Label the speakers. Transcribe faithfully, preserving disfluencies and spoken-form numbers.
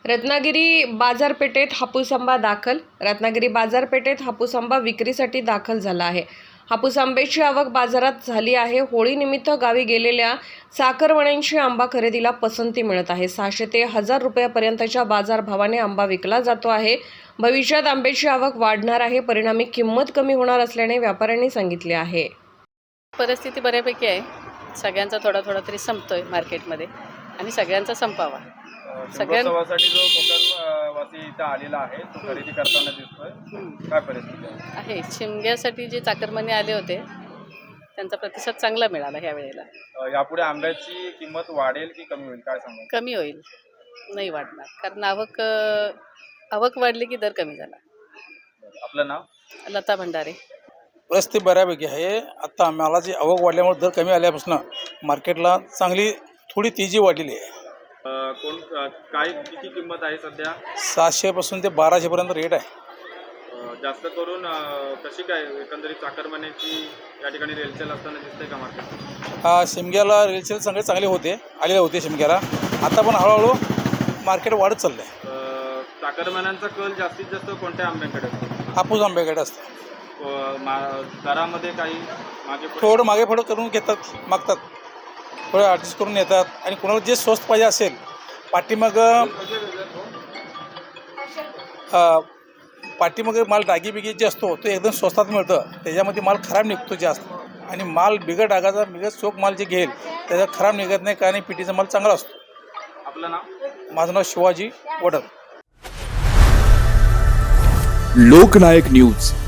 Speaker 1: रत्नागिरी बाजारपेठेत हापूस आंबा दाखल. रत्नागिरी बाजारपेठेत हापूस आंबा विक्रीसाठी दाखल झाला आहे. हापूस आंब्याची आवक बाजारात झाली आहे. होळीनिमित्त गावी गेलेल्या चाकरमान्यांची आंबा खरेदीला पसंती मिळत आहे. सहाशे ते हजार रुपयापर्यंतच्या बाजारभावाने आंबा विकला जातो आहे. भविष्यात आंब्याची आवक वाढणार आहे. परिणामी किंमत कमी होणार असल्याने व्यापाऱ्यांनी सांगितले आहे.
Speaker 2: परिस्थिती बऱ्यापैकी आहे. सगळ्यांचा थोडा थोडा तरी संपतोय मार्केटमध्ये आणि सगळ्यांचा संपावा.
Speaker 3: सगळ्यांसाठी जो कोकण वासी इथं आलेला आहे तो खरेदी करताना दिसतोय, काय परिस्थिती आहे?
Speaker 2: आहे शिमग्यासाठी जे चाकरमाने आले होते त्यांचा प्रतिसाद चांगला मिळाला ह्या वेळेला.
Speaker 3: यापुढे आंब्याची किंमत वाढेल की कमी होईल, काय सांगा?
Speaker 2: कमी होईल, नाही वाढणार, कारण आवक आवक वाढली की दर कमी झाला.
Speaker 3: आपलं नाव?
Speaker 2: लता भंडारे.
Speaker 4: परिस्थिती बऱ्यापैकी आहे. आता मालाची आवक वाढल्यामुळे दर कमी आल्यापासून मार्केटला चांगली थोडी तेजी वाढलेली आहे.
Speaker 3: कोण काय किती किंमत आहे सध्या?
Speaker 4: सातशेपासून ते बाराशेपर्यंत रेट आहे.
Speaker 3: जास्त करून कशी काय एकंदरीत चाकरमान्याची या ठिकाणी रेलसेल असताना दिसते का मार्केट?
Speaker 4: हा, शिमग्याला रेलसेल सगळे चांगले होते, आलेले होते शिमग्याला. आता पण हळूहळू मार्केट वाढत चाललं आहे.
Speaker 3: चाकरमान्यांचा कल जास्तीत जास्त कोणत्या आंब्याकडे असतो?
Speaker 4: हापूस आंब्याकडे असतं.
Speaker 3: दरामध्ये काही मागे
Speaker 4: थोडं मागे पुढं करून घेतात, मागतात, थोडं ॲडजस्ट करून येतात. आणि कोणाला जे स्वस्त पाहिजे असेल, पाठीमाग पाठीमाग माल डागी बिगी जे असतो तो एकदम स्वस्तात मिळतं. त्याच्यामध्ये माल खराब निघतो जास्त. आणि माल बिगट डागाचा बिगट चोख माल जे घेईल त्याचा खराब निघत नाही, कारण पिटीचा माल चांगला असतो.
Speaker 3: आपलं नाव?
Speaker 4: माझं नाव शिवाजी वडद.
Speaker 5: लोकनायक न्यूज